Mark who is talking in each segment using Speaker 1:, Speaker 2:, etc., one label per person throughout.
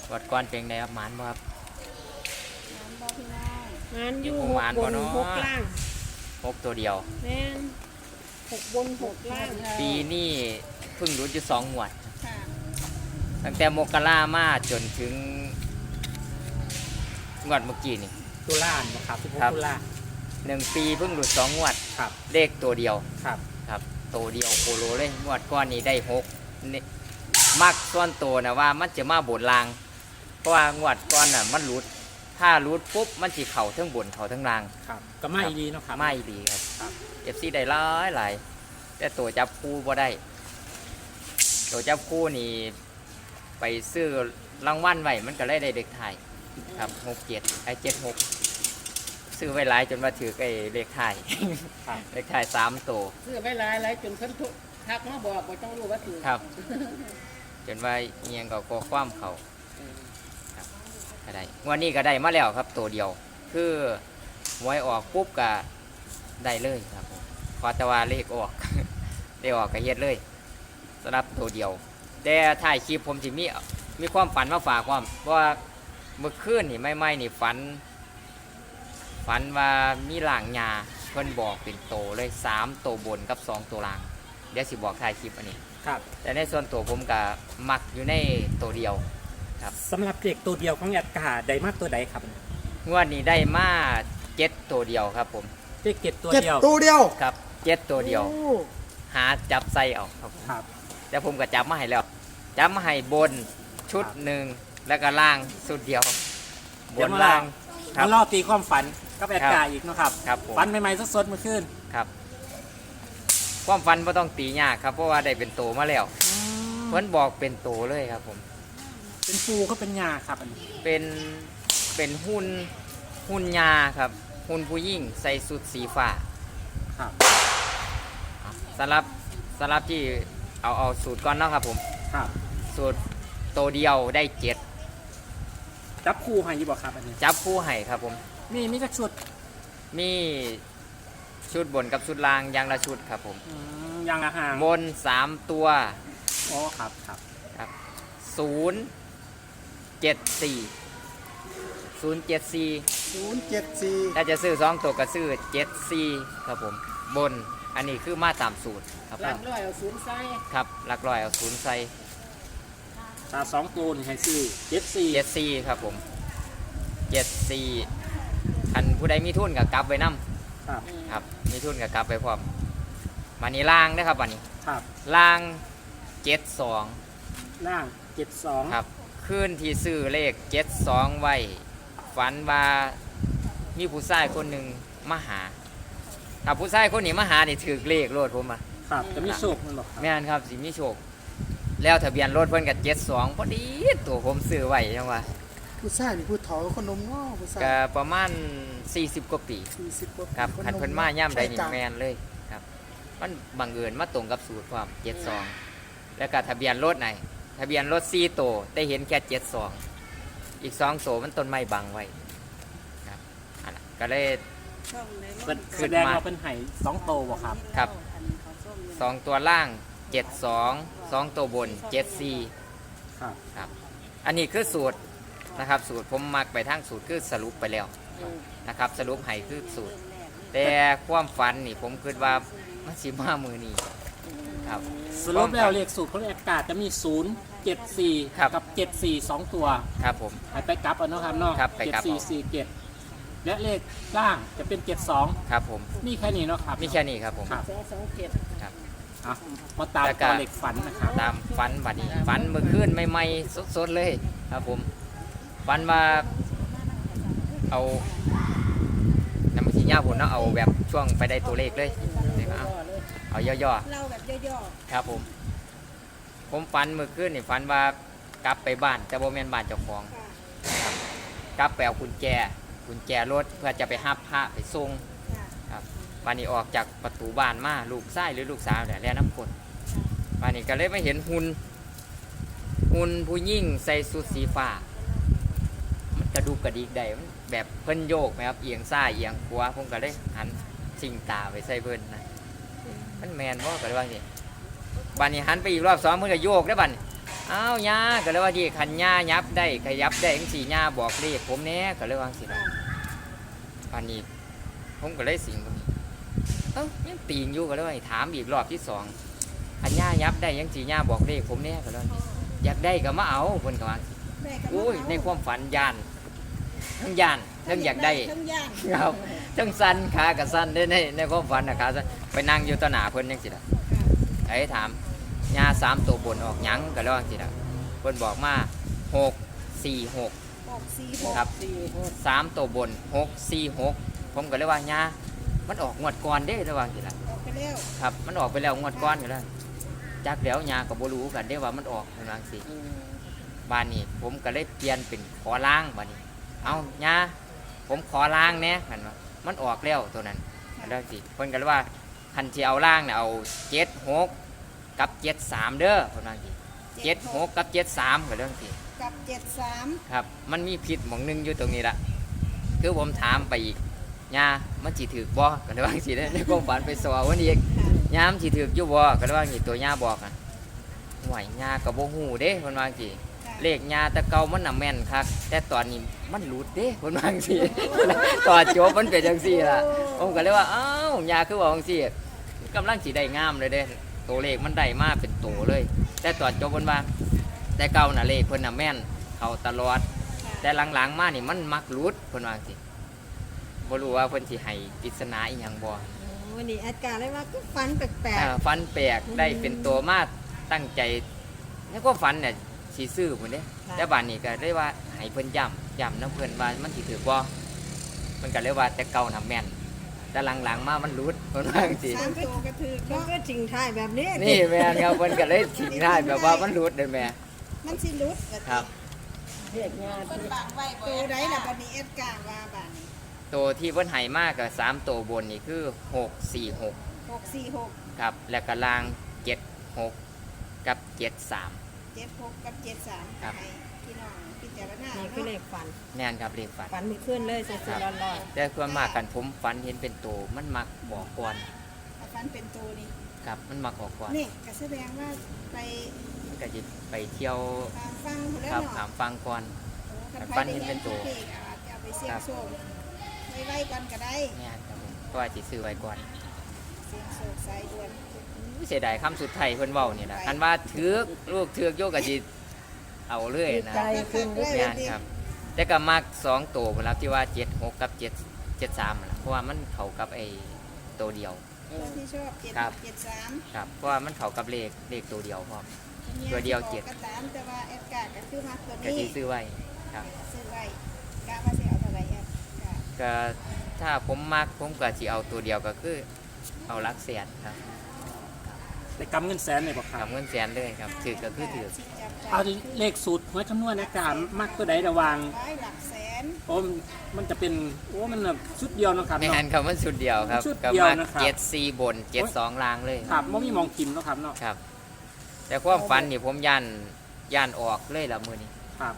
Speaker 1: วัดก้อนเป็นไงครับหมานบ่ครับ
Speaker 2: งานอยู่
Speaker 1: หมาน
Speaker 2: บ
Speaker 1: บ่
Speaker 2: น
Speaker 1: เนาะ
Speaker 2: 6 ล่าง
Speaker 1: 6ตัวเดียว
Speaker 2: แม่น6 บน 6 ล่าง
Speaker 1: ปีนี้เพิ่งรู้อยู่2 งวด
Speaker 2: ค่ะ
Speaker 1: ตั้งแต่มกรามาจนถึงงวดเมื่อกี้นี่
Speaker 3: ตุลานะครับ16 ตุลา
Speaker 1: 1 ปีเพิ่งหลุด2 งวด
Speaker 3: ครับ
Speaker 1: เลขตัวเดียว
Speaker 3: ครับ
Speaker 1: ครับตัวเดียวโคโลเลยงวดก้อนนี้ได้6นี่มักส่วนตัวนะว่ามันจะมาบนลาง เพราะว่างวดก้อนน่ะมันหลุดถ้าหลุดปุ๊บมันสิเข่าทั้งบนเข่าทั้งล่าง
Speaker 3: ครับก็ไม่ดีเนาะครับ
Speaker 1: ไม่ดีครับเอฟซีได้หลายแต่ตัวจับคู่บ่ได้ตัวจับคู่นี่ไปซื้อรางวัลไว้มันก็เลยได้เด็กไทยครับ6776ซื้อไว้หลายจนมาถือไอ้เลขไทย
Speaker 3: ครับ
Speaker 1: เลขไทย3ตัว
Speaker 2: ซื้อไว้หลายจนเพิ่นทุกทักมาบอกบ่ต้องรู้ว่าถือ
Speaker 1: ครับ จนว่าเอียงก็กอความเขาครับก็ได้งวันนี้ก็ได้มาแล้วครับตัวเดียว คือหวยออกปุ๊บก็ได้เลยครับผมขอแต่ว่าเลขออก ได้ออกก็เฮ็ดเลยสำหรับตัวเดียว แต่ถ่ายคลิปผมสิมีความฝันมาฝากความเพราะว่าเมื่อคืนนี่ไม่นี่ฝันว่ามีหลางยาเพิ่นบอกเป็นโตเลย3ตัวบนกับ2ตัวล่าง เดี๋ยวสิบอกถ่ายคลิปอันนี้
Speaker 3: ครับ
Speaker 1: แต่ในส่วนตัวผมก็มักอยู่ในตัวเดียวครับ
Speaker 3: สำหรับเด็กตัวเดียวของแอดกาได้มากตัวใดครับ
Speaker 1: งวดนี้ได้มา7ตัวเดียวครับผม
Speaker 3: เด็กเก็บตัว
Speaker 4: เจ็ด
Speaker 3: เดียว
Speaker 4: ตัวเดียว
Speaker 1: ครับ7ตัวเดียว
Speaker 4: โอ้
Speaker 1: หาจับใส่เอาครับผม
Speaker 3: ครับ
Speaker 1: แต่ผมก็จับมาให้แล้วจับมาให้บนชุดหนึ่งแล้วก็ล่างสุดเดียวบนล่างครั
Speaker 3: แล้
Speaker 1: บ
Speaker 3: วรอตีความฝันกับแอดกาอีกเนาะครับ
Speaker 1: ครับผม
Speaker 3: ฝันใหม่ๆสดๆเมื่อคืน
Speaker 1: ครับความฝันไม่ต้องตียากครับเพราะว่าได้เป็นโตมาแล้วเพิ่นบอกเป็นโตเลยครับผม
Speaker 3: เป็นปูก็เป็นยาครับอันนี้
Speaker 1: เป็นหุ่นยาครับหุ่นผู้หญิงใส่สุดสีฟ้า
Speaker 3: ครับ
Speaker 1: สำหรับที่เอาสูตรก่อนเนาะครับผม
Speaker 3: ครับ
Speaker 1: สูตรตัวเดียวได้7
Speaker 3: จับคู่ให้อยี่บอกครับอันนี้
Speaker 1: จับคู่ให้ครับผม
Speaker 3: มีจักชุด
Speaker 1: มีชุดบนกับชุดล่างอย่างละชุดครับผม
Speaker 3: ยางอาหาร
Speaker 1: บน3ตัว
Speaker 3: อ๋อครับครับ
Speaker 1: ครับ074
Speaker 4: 074
Speaker 1: ถ้าจะซื้อ2ตัวก็ซื้อ74ครับผมบนอันนี้คือมาตามสูตรครับผ
Speaker 2: หลั
Speaker 1: ม
Speaker 2: กร้อยเอาศูนย์ใส่
Speaker 1: ครับหลักร้อยเอา0ใส่
Speaker 3: ตา2ตัวนี่ให้ซื้อ74
Speaker 1: 74ครับผม74อันผู้ใดมีทุนกับกลับไว้นํ
Speaker 3: ครับ
Speaker 1: ครับมีทุนกับกลับไปพร้อมมานี่ล่างนะครับวันนี้
Speaker 3: ครับ
Speaker 1: ล่าง72
Speaker 3: ล่าง72
Speaker 1: ครับขึ้นที่ซื้อเลข72ไว้ฝันว่ามีผู้ชายคนหนึ่งมาหาถ้าผู้ชายคนนี้มาหานี่ถือเลขรถผมอ่ะ
Speaker 3: ครับจะมีโชคมันบอกครับ
Speaker 1: แม่นครับสิมีโชค แล้วทะเบียนรถเพิ่นกับ72พอดีตัวผมซื้อไว้จังว่า
Speaker 4: ผู้ชายนี่ผู้เฒ่าคนนมง้อผู้ชาย
Speaker 1: ก็ประมาณ40กว่าปี
Speaker 4: 40กว่าปี
Speaker 1: ครับ
Speaker 4: ค
Speaker 1: คัน
Speaker 4: ม
Speaker 1: เพิ่นมาย่ำใดนี่
Speaker 4: ใช่จ้ะ
Speaker 1: แมนเลยครับมันบังเอิญมาตรงกับสูตรความ72แล้วก็ทะเบียนรถไหนทะเบียนรถ4ตัวแต่เห็นแค่72อีก2ตัวมันต้นไม้บังไว้ครับอันนั้นก็เลย
Speaker 3: แสดงว่าเป็นไห่2โตบอกครับ
Speaker 1: ครับ2ตัวล่าง72 2ตัวบน74
Speaker 3: ครับ
Speaker 1: ครับอันนี้คือสูตรนะครับสูตรผมมักไปทางสูตรคือสรุปไปแล้วนะครับสรุปให้คือสูตร แต่ความฝันนี่ผมคิดว่ามันสิมามือนี้ครับ
Speaker 3: สรุปแล้วเลขสูตรของแอดกาจะมี074
Speaker 1: ครับ
Speaker 3: กับ74 2ตัว
Speaker 1: ครับผม
Speaker 3: ให้ไปกลับเอาเนาะครับเนาะ
Speaker 1: ครับไปกลับเอา
Speaker 3: 7447และเลขล่างจะเป็น72
Speaker 1: ครับผม
Speaker 3: นี่แค่นี้เนาะครับ
Speaker 1: มีแค่นี้ครับผม
Speaker 3: ครับ
Speaker 2: 227
Speaker 1: ครับ
Speaker 3: อ่ะมาตาม
Speaker 1: แล้วก็
Speaker 3: ตัวเลขฝันนะครับ
Speaker 1: ตามฝันบัดนี้ฝันเมื่อคืนใหม่ๆสดๆเลยครับผมฝันว่าเอาน้ำมันสีย่าผมเนาะเอาแบบช่วงไปได้ตัวเลขเลยเอาย่อ
Speaker 2: เล่าแบบย่อ
Speaker 1: ๆครับผมฝันเมื่อคืนนี่ฝันว่ากลับไปบ้านแต่บ่แม่นบ้านเจ้าของครับกลับไปเอากุญแจรถเพื่อจะไปหับพระไปส่งครับวันนี้ออกจากประตูบ้านมาลูกชายหรือลูกสาวเนี่ยแล่น้ำกรดวันนี้ก็เลยไม่เห็นหุ่นผู้หญิงใส่สุดสีฟ้ามันกระดูกกระดิกได้มันแบบเพิ่นโยกไหมครับเอียงซ้ายเอียงขวาผมก็เลยหันชิงตาไปใส่เพิ่นนะมันแมนว่ากันว่านี่บัดนี้หันไปอีกรอบ2เพิ่นก็โยกได้อบัดนี้อ้าวย่าก็เลยว่าที่คันย่ายับได้ขยับได้จังซี่ย่าบอกเลขผมแหน่ก็เลยว่าจังซี่ล่ะปานนี้ผมก็เลยสิงตรงนี้เอ้ายังตีงอยู่ก็เลยว่าให้ถามอีกรอบที่สองคันย่ายับได้จังซี่ย่าบอกเลขผมแหน่ก็เลยว่าอยากได้ก็มาเอาเพิ่นก็ว่าจังซี่
Speaker 2: ได้ก็บ่
Speaker 1: อุ้ย
Speaker 2: เา
Speaker 1: ในความฝันย่านทั้งย่านทั้งอยากได้
Speaker 2: ทั้งย่าน
Speaker 1: ครับทั้งสั้นขากับสั้นได้ในความฝันนะขาสั้นไปนั่งอยู่ต่อหน้าเพิ่นจังซี่ล่ะไอ้ถามยา3ตัวบนออกหยังก็แล้วจังซี่ล่ะเพิ่นบอกมา646
Speaker 2: 646
Speaker 1: ครับ
Speaker 2: 46
Speaker 1: 3ตัวบน646ผมก็เลยว่ายามันออกงวดก่อนเด้ระว่าจังซี่ล่ะ
Speaker 2: ออกไปแล้ว
Speaker 1: ครับมันออกไปแล้วงวดก่อนก็แล้วจักแล้วยาก็บ่รู้กันเด้ว่ามันออกเพิ่นว่าจังซี่ บ้านนี้ผมก็เลยเปลี่ยนเป็นขอล้างบ้านนี้ เอาย่าผมขอล้างแหน่หันว่ามันออกแล้วตัวนั้นแล้วสิเพิ่นก็เลยว่าคันสิเอาล้างเนี่ยเอา76กับ73เด้อเพิ่นว่าสิ76กับ73ก็เรื่องสิ
Speaker 2: กับ73
Speaker 1: ครับ มันมีผิดหม่องหนึงอยู่ตรงนี้ละคือผมถามไปอีกย่ามันสิถูกบ่ก็เลยว่าสิในความฝันไปสอวันอีก
Speaker 2: ค่ะ
Speaker 1: ย่ามันสิถูกอยู่บ่ก็เลยว่าสิตัวย่าบอกน่ะห่วยย่าก็บ่ฮู้เด้เพิ่นว่าสิ
Speaker 2: ค่ะ
Speaker 1: เลขยาแตะเก่ามันน่ะแม่นคักแต่ตอนนี้มันหลุดเด้เพิ่นว่าจังซี่ ตอนจบมันเป็นจังซี่ล่ะผมก็เลยว่าอ้าวยาคือว่าจังซี่กำลังสิได้งามเลยเด้ตัวเลขมันได้มาเป็นตัวเลย แต่ตอนจบเพิ่นว่าแต่เก่าน่ะเลขเพิ่นน่ะแม่นเข้าตลอด แต่หลังๆมานี่มันมักหลุดเพิ่นว่าจังซี่บ่รู้ว่าเพิ่นสิให้ปริศนาอีหยังบ่
Speaker 5: วันนี้แอดการเลยว่าก็ฟันแปลก
Speaker 1: ฟันแปลกได้เป็นตัวมาตั้งใจแล้วก็ฝันเนี่ยสิซื้อพุ่นเด้ แต่บ้านนี้ก็ได้ว่าให้เพิ่นย้ำน้ำเพิ่นว่ามันสิถือบ่มันก็เลยว่าแต่เก่าน่ะแม่นแต่หลังๆมามันหลุดเพิ่นว่าจังซี่
Speaker 2: สามตัวกระถือ
Speaker 5: ๆมัน
Speaker 2: เนาะ
Speaker 5: ก็จริงท้ายแบบนี้
Speaker 1: นี่แม่นครับเพิ่นก็เลยทิ้งท้ายแบบว่ามันหลุดเด้อแม่
Speaker 2: มันสิหลุดก็
Speaker 1: ครับ
Speaker 2: เรียกงานคนบางไว้ตัวใดล่ะบัดนี้เอ็ดการ์ว่าบัดนี้
Speaker 1: ตัวที่เพิ่นให้มาก็3ตัวบนนี่คือ646
Speaker 2: 646
Speaker 1: ครับแล้วก็ล่าง76กับ73
Speaker 2: 76กับ73
Speaker 1: ครับ
Speaker 2: ให้พี่น้องพิจารณา
Speaker 5: นี่คือเล
Speaker 2: เนาะ
Speaker 5: ขฝัน
Speaker 1: แม่นครับเลขฝัน
Speaker 5: ฝันมีขึ้นเลยสดๆร้อน
Speaker 1: แต่ส่วนมากกันผมฝันเห็นเป็นตัวมันมักบอกก่อน
Speaker 2: ถ้าฟันเป็นตัวนี่
Speaker 1: ครับมันมักออกก่อน
Speaker 2: นี่ก็แสดงว่าไป
Speaker 1: มันก็สิไปเที่ยว
Speaker 2: ตามฟังแล้ว
Speaker 1: ครับ
Speaker 2: เนาะ
Speaker 1: ถามฟังก่อน ฟันเห็นเป็นตัว
Speaker 2: เอาไปเสี่ยงโชคไว้กันก็ได้
Speaker 1: แม่นครับผมเพราะว่าสิซื้อไว้ก่อน
Speaker 2: เสี่ยงโชคสายด่วน
Speaker 1: เสียดายคำสุดท้ายเพิ่นเว้านี่ล่ะคันว่าถือกลูกถือกโยกก็สิเอาเลยนะ
Speaker 2: ใจขึ้นด้วย
Speaker 1: แม่นครับ แต่ก็มัก2ตัวพุ่นล่ะที่ว่า76กับ7 73นั่นล่ะเพราะว่ามันเข้ากับไอ้ตัวเดียว
Speaker 2: ที่ชอบ
Speaker 1: ครับ
Speaker 2: 73
Speaker 1: ครับเพราะว่ามันเข้ากับเลขตัวเดียวพร้อม ตัวเดียวเจ็ด
Speaker 2: ก็ตามแต่ว่าแอดการ์ก็คือมาตัว
Speaker 1: ก็สิ
Speaker 2: นี้
Speaker 1: ซื้อไว้ครับ
Speaker 2: ซื้อไว้กะว่าสิเอาเท่าไหร่แอดการ์
Speaker 1: ก็ถ้าผมมักผมก็สิเอาตัวเดียวก็คือเอาหลักแสนครับ
Speaker 3: ได้กำเงินแสนเลยบ่ครั
Speaker 1: กั
Speaker 3: บบ
Speaker 1: เงินแสนเลยครับถือก็คือถือ
Speaker 2: สิจับใจ
Speaker 3: เอาเลขสูตรหวยคำนวณในการมักตัวใดระหวัง
Speaker 2: ไว้หลักแสน
Speaker 3: โอ้มันจะเป็นโอ้มันแบบชุดเดียวเนาะครับ
Speaker 1: ไม่
Speaker 3: เนาะ
Speaker 1: หันคำว่าชุดเดียวครับ
Speaker 3: ชุด
Speaker 1: ก็
Speaker 3: เดียว
Speaker 1: มา
Speaker 3: นะครับ
Speaker 1: 74บน72ล่างเลย
Speaker 3: ครับไม่มีมองกินเนาะครับเนาะ
Speaker 1: ครับ แต่ความฝันนี่ผมย่านออกเลยละมือนี้
Speaker 3: ครับ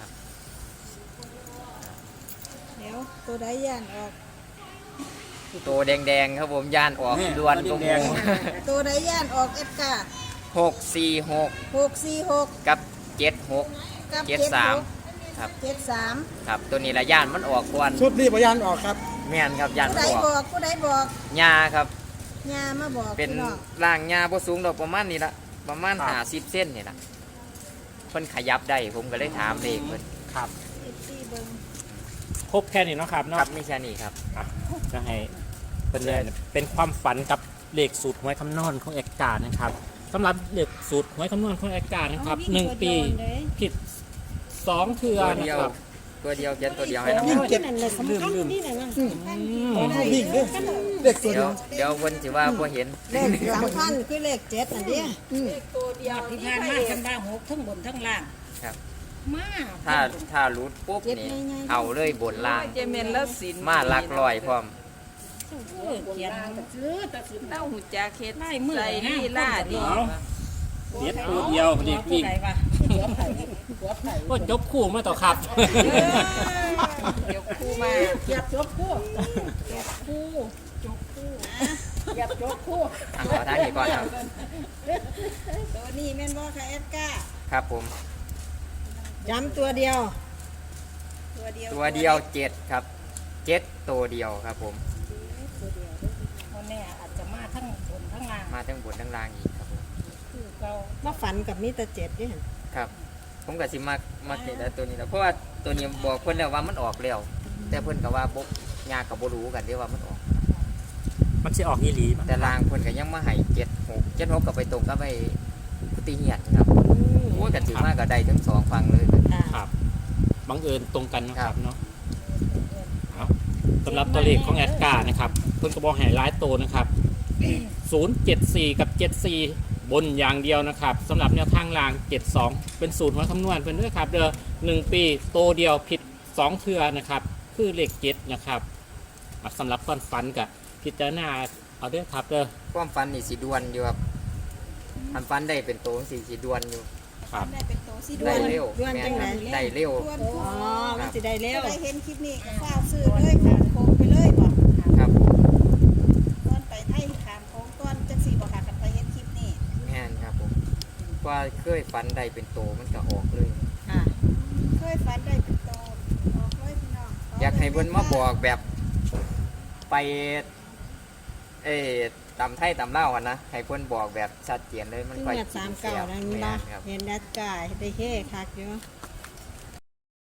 Speaker 2: เดี๋ยวตัวใดย่านออก
Speaker 1: ตัวแดงๆครับผมย่านออก
Speaker 3: นี่
Speaker 1: ด่วนก็
Speaker 3: แด
Speaker 1: มู
Speaker 3: ง
Speaker 2: ตัวใดย่านออกเอ็ดการ์
Speaker 1: 646
Speaker 2: 646
Speaker 1: กับ
Speaker 2: กับ
Speaker 1: 73ครับ
Speaker 2: 73
Speaker 1: ครับตัวนี้ละย่านมันออกก่อน
Speaker 4: ชุดนี้พยานออกครับ
Speaker 1: แม่นครับย่าน
Speaker 2: ผู้
Speaker 1: มัน
Speaker 2: ใด
Speaker 1: ออก
Speaker 2: บอกผู้ใดบอก
Speaker 1: ยาครับ
Speaker 2: ยามาบอก
Speaker 1: เป็น
Speaker 2: พี่น้อง
Speaker 1: ร่างยาบ่สูงดอกประมาณนี้ละประมาณ50เส้นนี่ละเพิ่นขยับได้ผมก็เลยถามเลขเพิ่น
Speaker 3: ๆครับ
Speaker 2: ที่เบิ่ง
Speaker 3: ครบแค่นี้เนาะครับ
Speaker 1: ค
Speaker 3: เนาะ
Speaker 1: รับไม่ใช่นี่ครับ
Speaker 3: จะให้เป็นเลยเป็นความฝันกับเลขสูตรหวยคำนวณของเอกการนะครับสำหรับเลขสูตรหวยคำนวณของเอกการนะครับ
Speaker 5: ๆ
Speaker 3: 1 ปีผิด2เทือ
Speaker 1: ตัว
Speaker 3: นะ
Speaker 1: เดียว
Speaker 3: ครับ
Speaker 1: ตัวเดียวเขียนตัวเดียวให้น้อง
Speaker 4: ยิ่งเก็บ
Speaker 5: นั่นเลยสำคัญนี่แหละนะ
Speaker 4: วิ่งเด้อเด็กตัว
Speaker 1: เดี๋
Speaker 4: เดี
Speaker 1: ย
Speaker 4: ยว ว
Speaker 1: เพิ่นสิว่าบ่เห็น
Speaker 5: เลขสำคัญคือเลข7อันนี้
Speaker 6: ที่ผ่านมาทั้งบ้านหกทั้งบนทั้งล่าง
Speaker 1: ครับ
Speaker 6: มา
Speaker 1: ถ้ารูดปุ๊บนี่เอาเลยบนล่าง
Speaker 6: เจเมนแล้วสิน
Speaker 1: มาหลักร้อยพร้อม
Speaker 6: เขียนซื้อตัดสินเต้าหูจักเฮ็ดใส่ลีลาดี
Speaker 3: เอาเด็ดตัวเดียวเด็กวิ่ง
Speaker 6: ไหนวะ
Speaker 3: ก็ยกคู่มาต่อครับ
Speaker 6: เดี๋ยวครูมา
Speaker 2: เหยียบจบคู่
Speaker 6: คู่จกคู่
Speaker 2: เหยียบจบคู่
Speaker 1: ขอทางนี้ก่อนครับ
Speaker 2: ตัวนี้แม่นบ่ค่ะเอ็ดการ์
Speaker 1: คครับผม
Speaker 5: ย้ำตัวเดียว
Speaker 2: ตัวเดียว
Speaker 1: ตัวเดียวเจ็ดครับเจ็ดตัวเดียวครับผม
Speaker 6: วันนี้อาจจะมาทั้งบนทั้งล่าง
Speaker 1: มาทั้งบนทั้งล่างอีกครับผม
Speaker 6: คือเรา
Speaker 5: มาฝันกับมิตรเจ็ดนี่
Speaker 1: ครับ ผมก็สิมักเห็นแต่ตัวนี้แล้วเพราะว่าตัวนี้บอกเพิ่นแล้วว่ามันออกแล้วแต่เพิ่นก็ว่าบ่ยากกับบ่รู้กันที่ว่ามันออก
Speaker 3: มันจะออกอีหลีมั้ง
Speaker 1: แต่ลางเพิ่นก็ยังมาให้76ก็ไปตรงกับไอ้กุฏิเหียนครับโอ้ยกันถือมากก็ได้ทั้งสองฝั่งเลย
Speaker 3: ครับบังเอิญตรงกันนะค
Speaker 1: ครั
Speaker 3: รับบ เนาะเอาสำหรับตัวเลขของแอดการ์นะครับเพิ่นก็บอกให้หลายตัวนะครับ 074 กับ 74 บนอย่างเดียวนะครับสำหรับแนวทางราง 72 เป็นสูตรหัวคำนวณเพิ่นด้วยครับเด้อ1 ปีโตเดียวผิด 2 เทื่อนะครับ คือเลข7นะครับสำหรับก้อนฟันกับพิจารณาเอาเด้อครับเด้อ
Speaker 1: ความฝันนี่สิดวนอยู่ครับอันฝันได้เป็นโตสิดวนอยู่
Speaker 3: ครับ
Speaker 2: ได้เป็นโตสิดว
Speaker 1: ได้
Speaker 2: น
Speaker 1: เร็ว
Speaker 5: ด้วน
Speaker 1: แม่
Speaker 5: จั
Speaker 1: น
Speaker 5: ง
Speaker 1: ค
Speaker 5: ไหน
Speaker 1: รับได้เร็ว
Speaker 2: ดวน
Speaker 5: อ๋อมันสิได้เร็ว
Speaker 2: ก็ได้เห็นคลิปนี้ก็ฟ้าวซื้อเลยขามโค้งไปเลยบ่
Speaker 1: ครับ
Speaker 2: ก้อนไปไทยขามโค้งก้อนจังสี่บ่ค่ะกันไปเห็นคลิปนี้
Speaker 1: แม่นครับผมว่าเคยฝันได้เป็นโตมันก็ออกเลย
Speaker 5: ค่ะ
Speaker 2: เคยฝันได้เป็นโตออกเลยพี่น้อง
Speaker 1: อยากให้เพิ่นมาบอกแบบไปเอ้ตำไทยตำเล่าวอะนะให้เพิ่นบอกแบบชัดเจนเลยมัน
Speaker 5: ซึ่ง
Speaker 1: ค่อย
Speaker 5: เมื่อ
Speaker 1: กิน
Speaker 5: 39นั่น
Speaker 1: แม่
Speaker 5: เนาะ
Speaker 1: นครับ
Speaker 5: เห็นแอดการ์ได้เฮ่คักอยู่